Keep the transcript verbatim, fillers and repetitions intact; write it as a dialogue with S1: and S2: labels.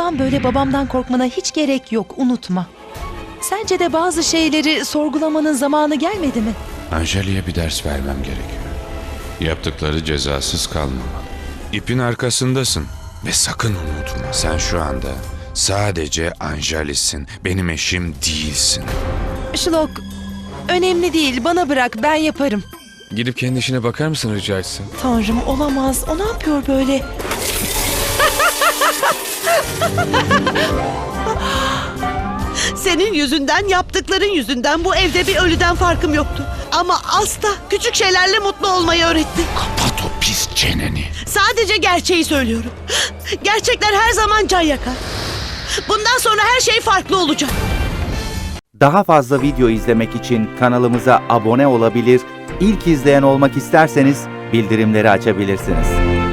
S1: Bundan böyle babamdan korkmana hiç gerek yok, unutma. Sence de bazı şeyleri sorgulamanın zamanı gelmedi mi?
S2: Anjali'ye bir ders vermem gerekiyor. Yaptıkları cezasız kalmamalı. İpin arkasındasın ve sakın unutma. Sen şu anda sadece Anjali'sin. Benim eşim değilsin.
S1: Shlok, önemli değil, bana bırak, ben yaparım.
S3: Gidip kendi işine bakar mısın rica etsem?
S1: Tanrım, olamaz. O ne yapıyor böyle?
S4: Senin yüzünden, yaptıkların yüzünden bu evde bir ölüden farkım yoktu. Ama Asta küçük şeylerle mutlu olmayı öğretti.
S2: Kapat o pis çeneni.
S4: Sadece gerçeği söylüyorum. Gerçekler her zaman can yakar. Bundan sonra her şey farklı olacak.
S5: Daha fazla video izlemek için kanalımıza abone olabilir, ilk izleyen olmak isterseniz bildirimleri açabilirsiniz.